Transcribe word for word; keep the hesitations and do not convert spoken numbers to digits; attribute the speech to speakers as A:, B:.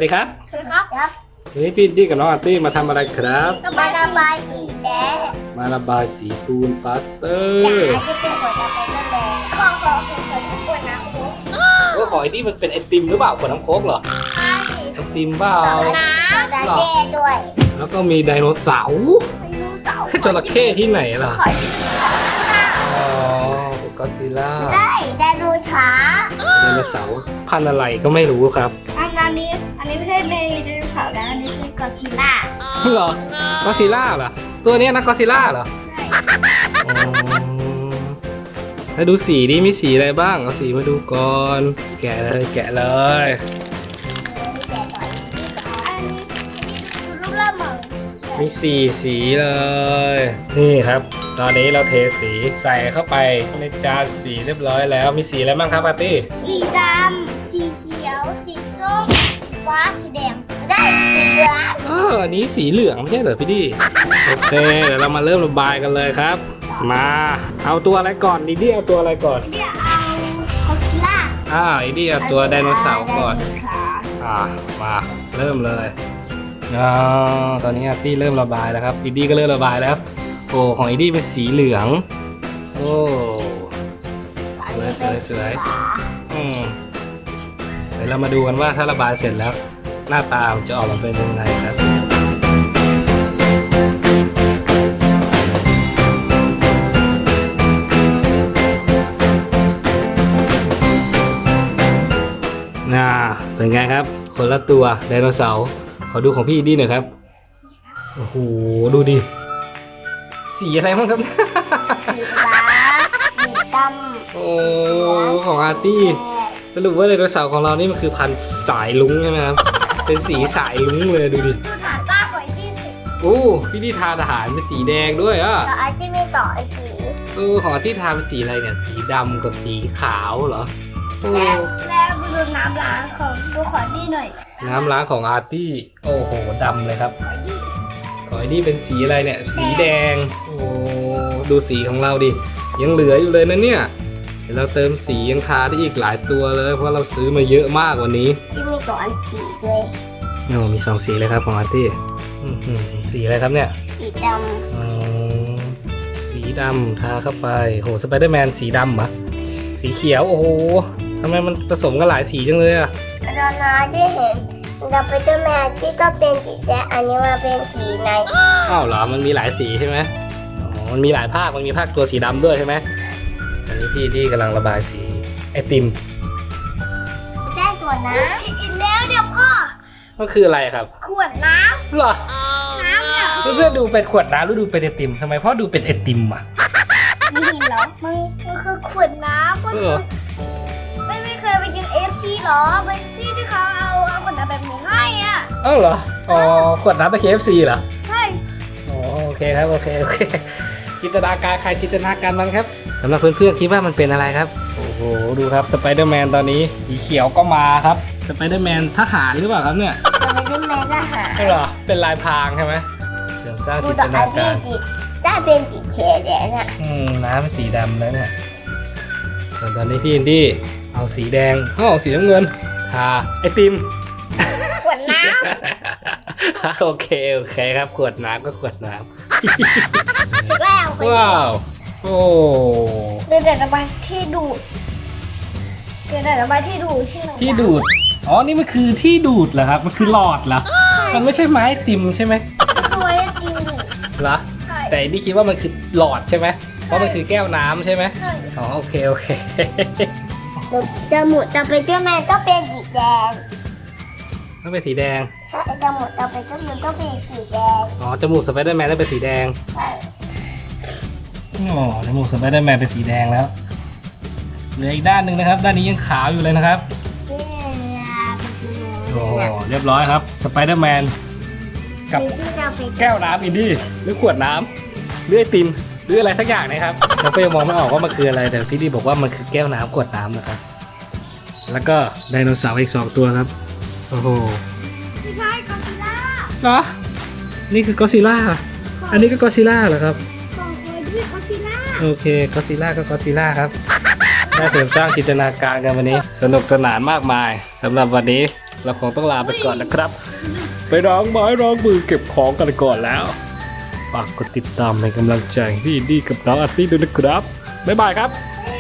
A: ดีครับ
B: สวัสดีครับครับ
A: วันนี้พี่ดี้กับน้องอาร์ตี้มาทำอะไรครับ
B: มาระบายสีแดง
A: มาระบายสีปูนพลาสเตอร์
B: จะเป็นหัวจะเป็นแดงขอขอขอขอทุกคนนะครู
A: โอ้ขอไอ้นี่มันเป็นไอติมหรือเปล่าขวดน้ำโค้กเหรอไอติมเปล่า
B: น้ำจะเด้ด้วย
A: แล้วก็มีไดโนเสาร์
B: ไดโนเสาร์
A: จระเข้ที่ไหนล่ะ
B: ขอที่
A: อ๋อก็อดซิลล่า
B: ได้ไดโนเสาร์
A: ไดโนเสาร์พันธุ์อะไรก็ไม่รู้ครับ
B: อันนี้อันนี้ไม่ใช่ในไดโนเสาร์นะอันนี้คือกอดซิลล่า
A: เหรอก็อดซิลล่าเหรอตัวนี้นะก็อดซิลล่าเหรอแล้วดูสีดิมีสีอะไรบ้างเอาสีมาดูก่อนแกะเลยแกะเลยมีสี่สีเลยนี่ครับตอนนี้เราเทสีใส่เข้าไปในจานสีเรียบร้อยแล้วมีสีอะไรบ้างครับอาร์ตี้
B: สีดำสีเขียวสีส้มสีฟ้าสีแดงได้สีเหลือง
A: เอออันนี้สีเหลืองไม่ใช่เหรอพี่ดี้โอเคเดี๋ยวเรามาเริ่มระบายกันเลยครับมาเอาตัวอะไรก่อนดีดี้เอาตัวอะไรก่อน
B: เดี๋ยวเอากอดซิลล่า
A: อ่าดีดี้เอาตัวไดโนเสาร์ก่อนอ่ามาเริ่มเลยอ๋อตอนนี้อาร์ตี้เริ่มระบายแล้วครับอีดี้ก็เริ่มระบายแล้วโอ้ของอีดี้เป็นสีเหลืองโอ้สวยสวยสวยอืมเดี๋ยวเรามาดูกันว่าถ้าระบายเสร็จแล้วหน้าตาจะออกมาเป็นยังไงครับน่าเป็นไงครับคนละตัวไดโนเสาร์ขอดูของพี่ดีหน่อยครับโอ้โหดูดิสีอะไรบ้างครับ
B: สีฟ้าสีดำ
A: โอ้ของอาร์ตี้สรุปว่าไดโนเสาร์ของเรานี่มันคือพันธุ์สายลุ้งใช่ไหมครับเป็นสีสายลุ้งเลยดูดิ
B: ดูฐานต้าหอยที่สิ
A: โอ้พี่ดีทาทหารเป็นสีแดงด้วยอ่ะ
B: แล้วอาร์ตี้ไม่ต่อไอ้สี
A: เออของอาร์ตี้ทาเป็นสีอะไรเนี่ยสีดำกับสีขาวเหรอ
B: แล้วแล้วดูน้ำล้างของดูขอดีหน่อย
A: น้ำล้างของอาร์ตี้โอ้โหดำเลยครับขอดีเป็นสีอะไรเนี่ยสีแดงโอ้ดูสีของเราดิยังเหลืออยู่เลยนะเนี่ยเดี๋ยวเราเติมสียังทาได้อีกหลายตัวเลยเพราะเราซื้อมาเยอะมากวันนี้
B: ที่มีตัวอันสีด้วย
A: โอ้มีสองสีเลยครับของอาร์ตี้สีอะไรครับเนี่ย
B: สีด
A: ำสีดำทาเข้าไปโหสไปเดอร์แมนสีดำเหรอสีเขียวโอ้โหทำไมมันผสมกันหลายสีจังเลยอะ
B: ตอนนั้นที่เห็นเราไปเจอแมวที่ก็เป็นสีแดงอันนี้มาเป็นสีใน
A: อ้าวเหรอมันมีหลายสีใช่ไหมอ๋อมันมีหลายภาคมันมีภาคตัวสีดำด้วยใช่ไหมตอนนี้พี่ที่กำลังระบายสีไอติม
B: ได้ขวดน้ำอีกแล้วเนี่ยพ่อ
A: มันคืออะไรครับ
B: ขวดน้ำ
A: เหรอ
B: น้ำเนี่ย
A: เพื่อนดูเป็นขวดน้ำหรือดูเป็นไอติมทำไมพ่อดูเป็นไอติมอ่ะ
B: ไม่เห็นหรอมันมันคือขวดน้ำก็ไม่ไม่เคยไปกินเอฟซีหรอไปที่ที่เขาเอาเอาขวดน้ำแบบนี้ให้อ่ะ
A: เอ้าเหรออ๋อขวดน้ำไป เค เอฟ ซี เหรอ
B: ใช่
A: อ๋อโอเคครับโอเคโอเคจินตนาการใครจินตนาการมันครับสำหรับเพื่อนๆคิดว่ามันเป็นอะไรครับโอ้โหดูครับสไปเดอร์แมนตอนนี้สีเขียวก็มาครับสไปเดอร์แมนทหารหรือเปล่าครับเนี่ย
B: สไปเดอร์แมนทหาร
A: ใช่เหรอเป็นลายพรางใช่ไหมเสริมสร้างจินตนาการ
B: ได้เป็นสีเขียวแดงอ่ะ
A: อืมน้ำเป็นสีดำแล้วเนี่ยส่วนตอนนี้พี่อินดี้เอาสีแดงเอาสีน้ำเงินทาไอติม
B: ขวดน้ำ
A: โอเคโอเคครับขวดน้ำก็ขวดน้
B: ำชุดแล้ว
A: ว้าวโอ้
B: เดี๋ยวแต่ระบายที่ดูดเดี๋ยวแต่ระบายที่ดูดที่
A: ที่ดูดอ๋อนี่มันคือที่ดูดเหรอครับมันคือหลอดเหรอมันไม่ใช่ไม้ติมใช่ไหม
B: คือไม้ติม
A: เหรอแต่นี่คิดว่ามันคือหลอดใช่ไหมเพราะมันคือแก้วน้ำใช่ไหมอ๋อโอเคโอเค
B: จมูกจะไปเจ้าแม่ก็เป็นสีแดง
A: ต้องเป็นสีแดง
B: ใช่จมูกจะไปเจ้าแม่ก็เป็นสีแดง
A: อ๋อจมูกสไปเดอร์แมนต้องเป็นสีแดง
B: ใช่
A: อ๋อจมูกสไปเดอร์แมนเป็นสีแดงแล้วเหลืออีกด้านหนึ่งนะครับด้านนี้ยังขาวอยู่เลยนะครับโอ้เรียบร้อยครับสไปเดอร์แมนกับแก้วน้ำอินดี้หรือขวดน้ำหรือไอติมหรืออะไรสักอย่างนะครับเราก็ยังมองไม่ออกว่ามันคืออะไรแต่พี่ดีบอกว่ามันคือแก้วน้ำขวดน้ำนะครับแล้วก็ไดโนเสาร์อีกสองตัวครับโอ้โห
B: ไม่ใช่กอซิลล่า
A: เหรอนี่คือกอซิลล่าอันนี้ก็กอซิลล่าเหรอครับ
B: ของเคยด้วยกอซิลล่า
A: โอเคกอซิลล่าก็กอซิลล่าครับได้เสริมสร้างจินตนาการกันวันนี้สนุกสนานมากมายสำหรับวันนี้เราคงต้องลาไปก่อนนะครับ ไปล้างไม้ล้างมือเก็บของกันก่อนแล้วฝากกดติดตามเป็นกำลังใจให้พี่อินดี้กับน้องอาร์ตี้ด้วยนะครับบ๊ายบายครับ
B: บ๊าย